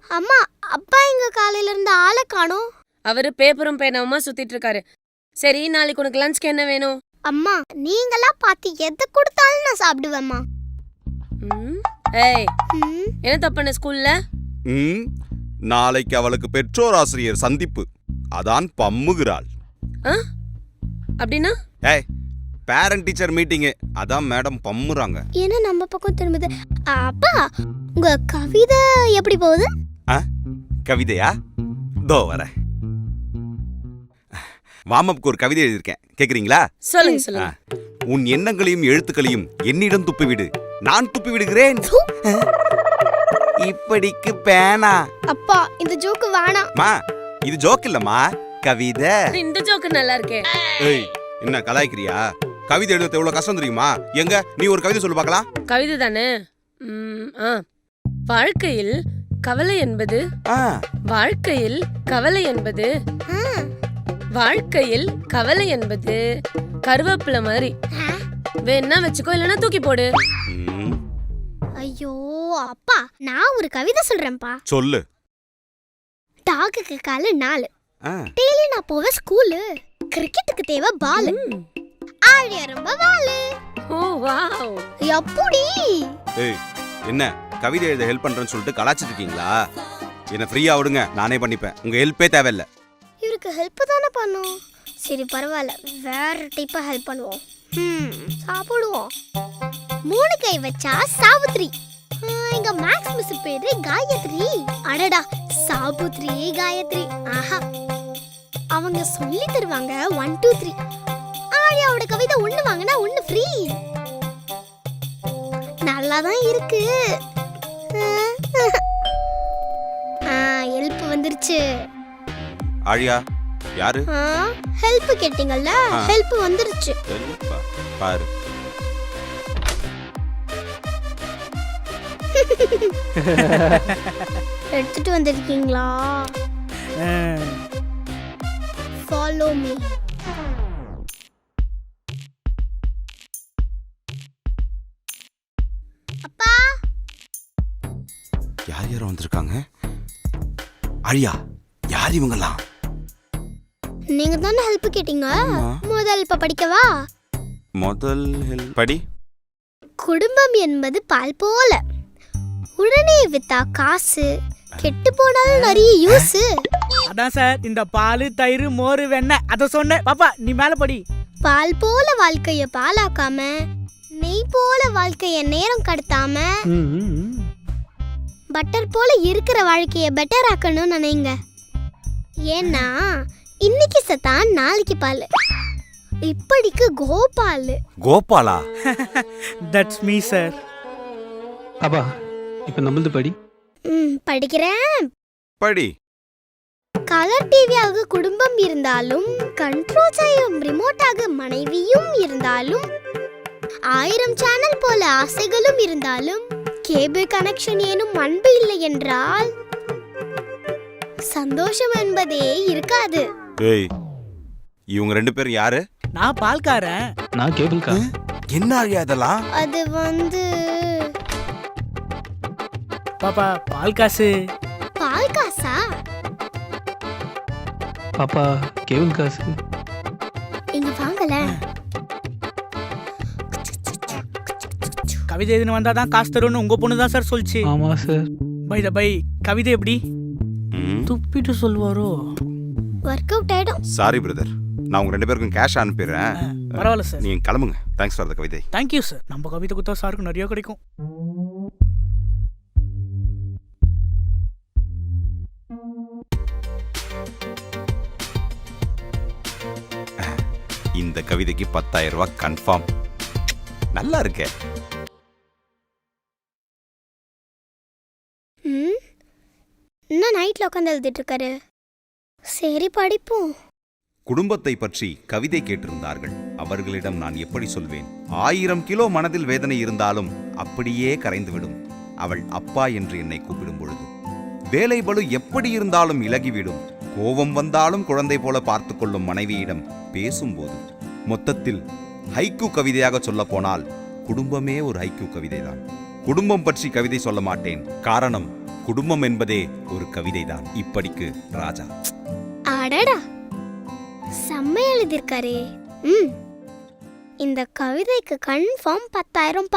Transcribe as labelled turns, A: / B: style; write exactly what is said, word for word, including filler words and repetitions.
A: அம்மா, அப்பா எங்க காலையில இருந்து ஆளை காணோம்.
B: அவரு பேப்பரும் பேனாவுமா சுத்திட்டு இருக்காரு. சரி, நாளைக்கு உனக்கு லஞ்ச்க்கு என்ன வேணும்?
A: அம்மா, நீங்களா பார்த்து எதை கொடுத்தாலும் நான் சாப்பிடுவேம்மா.
B: ம், ஏய்,
A: ம்,
B: என்ன தப்புன ஸ்கூல்ல?
C: ம் நாளைக்கு அவளுக்கு பெற்றோர் ஆசிரியர் சந்திப்பு, அதான் பம்முகிறாள்.
B: ஆ? அப்படின்னா?
C: ஏய், பேரண்ட் டீச்சர் மீட்டிங்கு, அதான் மேடம் பம்முறாங்க.
A: என்ன நம்ம பக்கம் திரும்புது? அப்பா, உங்க கவிதை எப்படி போகுது?
C: ஆ, கவிதையா? தோ வர. வாமப்புக்கு ஒரு கவிதை எழுதியிருக்கேன், கேக்குறீங்களா?
B: சொல்லுங்க சொல்லுங்க.
C: உன் எண்ணங்களையும் எழுத்துக்களையும் என்னிடம் துப்பிவிடு, நான் துப்பி விடுகிறேன். இப்படிக்கு பேனா.
A: அப்பா, இந்த ஜோக்கு வேணாம்.
C: மா, இது ஜோக் இல்லம்மா, கவிதை.
B: இந்த ஜோக்கு நல்லா இருக்கே.
C: ஏய், என்ன கலாய்க்கிறியா? கவிதை எழுதுறது எவ்வளவு கஷ்டம் தெரியுமா? எங்க நீ ஒரு கவிதை சொல்லு பார்க்கலாம்.
B: கவிதை தானே? ம், ஆ. வாழ்க்கையில் கவலை என்பது
C: ஆ,
B: வாழ்க்கையில் கவலை என்பது
A: ஆ,
B: வாழ்க்கையில் கவலை என்பது கருவேப்பிலை மாதிரி.
A: ஆ.
B: வேணா வச்சுக்கோ, இல்லைன்னா தூக்கி போடு.
C: ம்,
A: ஐயோ அப்பா, நான் ஒரு கவிதை சொல்றேன்ப்பா.
C: சொல்லு.
A: டாகுக்கு காலு நாலு,
C: ஆ,
A: டெய்லி நான் போவேன் ஸ்கூலு. கிரிக்கெட்டுக்கு தேவை பாலு,
B: ம்.
A: ஆழிய ரொம்ப வாலு.
B: ஓ வாவ்.
A: எப்படி?
C: ஏய், என்ன கவிதை எழுத ஹெல்ப் பண்றேன்னு சொல்லிட்டு கலாச்சிட்டு இருக்கீங்களா? என்ன ஃப்ரீயா விடுங்க, நானே பண்ணிப்பேன். உங்க ஹெல்ப்பே தேவையில்ல.
A: இவருக்கு ஹெல்ப் தானே பண்ணும். சரி பரவாயில்ல, வேற டைப்பா ஹெல்ப் பண்ணுவோம். ம், சாப்பிடுவோம். மூணு கை வச்சா சாவித்ரி. ஆ, எங்க மேக்ஸ் மிஸ் பேரு காயத்ரி. அடடா, சாபுத்ரி காயத்ரி. ஆஹா, அவங்க சொல்லி தருவாங்க ஒன் டூ த்ரீ. ஆழியாவோட கவிதை ஒண்ணு வாங்கினா ஒண்ணு ஃப்ரீ. நல்லாதான் இருக்கு. ஹெல்ப் வந்துருச்சு.
C: ஆழியா யாரு?
A: ஹெல்ப் கேட்டீங்கல்ல, ஹெல்ப் வந்துருச்சு.
C: ஹெல்ப்பா? பாரு.
A: எடுத்துட்டு வந்திருக்கீங்களா? Follow me. அப்பா,
C: யார் யாரும் வந்திருக்காங்க? ஆழியா, யார் இவங்கெல்லாம்?
A: நீங்க தானே ஹெல்ப் கேட்டீங்க.
C: ஆமா.
A: முதல் இப்ப படிக்கவா?
C: முதல் ஹெல்ப் படி.
A: குடும்பம் என்பது பால் போல, உடனே வித்தா காசு, கெட்டு போனாலும் நிறைய யூஸ்.
D: அதான் சார், இந்த பால் தயிர் மோர் வெண்ணெய் அத சொன்னேன். பாப்பா நீ மேல படி.
A: பால் போல வாழ்க்கைய பாலாக்காம, நெய் போல வாழ்க்கைய நேரம் கடத்தாம, பட்டர் போல இருக்கிற வாழ்க்கைய பெட்டர் ஆக்கணும்னு நினைங்க. ஏன்னா இன்னைக்கு சத்தான் நாளைக்கு பால். இப்படிக்கு கோபால்.
C: கோபாலா?
D: That's me sir.
E: அப்பா இப்ப நம்மளது படி.
A: ம், படிக்கிறேன்.
C: படி.
A: கலர் டிவியாக குடும்பம் இருந்தாலும், கண்ட்ரோல் செய்யும் ரிமோட்டாக மனைவியும் இருந்தாலும், ஆயிரம் சேனல் போல ஆசைகளும் இருந்தாலும், கேபிள் கனெக்ஷன் ஏனும் அன்பு இல்லை என்றால் சந்தோஷம் என்பதே இருக்காது.
C: ஏய், இவங்க ரெண்டு பேரும் யாரு?
D: நான் பால்காரன்.
E: நான் கேபிள் கார்.
C: என்ன ஆழியா இதெல்லாம்?
A: அது வந்து
D: பாப்பா பால் காசு.
A: பால் காசா?
E: பாப்பா கேபிள் காசு.
A: இங்க வாங்கல.
D: கவிதை எதுன்னு வந்தாதான் காசு தரும்னு உங்க பொண்ணு தான் சார் சொல்லிச்சு.
E: ஆமா சார்.
D: பை த பை, கவிதை எப்படி
C: ம்,
D: துப்பிட்டு சொல்வாரோ?
A: ஒர்க் அவுட் ஆயிடும்.
C: சாரி பிரதர், நான் உங்க ரெண்டு பேருக்கும் கேஷ் அனுப்பிடுறேன்.
D: பரவாயில்ல சார்.
C: நீங்க கிளம்புங்க. தேங்க்ஸ் ஃபார் த கவிதை.
D: Thank you sir. நம்ம கவிதை கொடுத்தா சாருக்கு நிறைய கிடைக்கும்.
C: இந்த கவிதைக்கு பத்தாயிரம் ரூபாய் கன்ஃபார்ம். நல்லா இருக்கே.
A: ம், இன்னும் நைட்ல உட்காந்து எழுதிட்டு இருக்காரு. சரி படிப்போம்.
C: குடும்பத்தை பற்றி கவிதை கேட்டிருந்தார்கள். அவர்களிடம் நான் எப்படி சொல்வேன்? ஆயிரம் கிலோ மனதில் வேதனை இருந்தாலும் அப்படியே கரைந்துவிடும் அவள் அப்பா என்று என்னை கூப்பிடும் பொழுது. வேலை பளு எப்படி இருந்தாலும் இலகிவிடும். கோபம் வந்தாலும் குழந்தை போல பார்த்து கொள்ளும் மனைவியிடம் பேசும்போது. மொத்தத்தில் ஹைக்கூ கவிதையாக சொல்ல போனால் குடும்பமே ஒரு ஹைக்கூ கவிதைதான். குடும்பம் பற்றி கவிதை சொல்ல மாட்டேன். காரணம், குடும்பம் என்பதே ஒரு கவிதைதான். இப்படிக்கு ராஜா.
A: அடடா, செம்ம எழுதியிருக்காரே. ம் இந்த கவிதைக்கு கன்ஃபார்ம் பத்தாயிரம்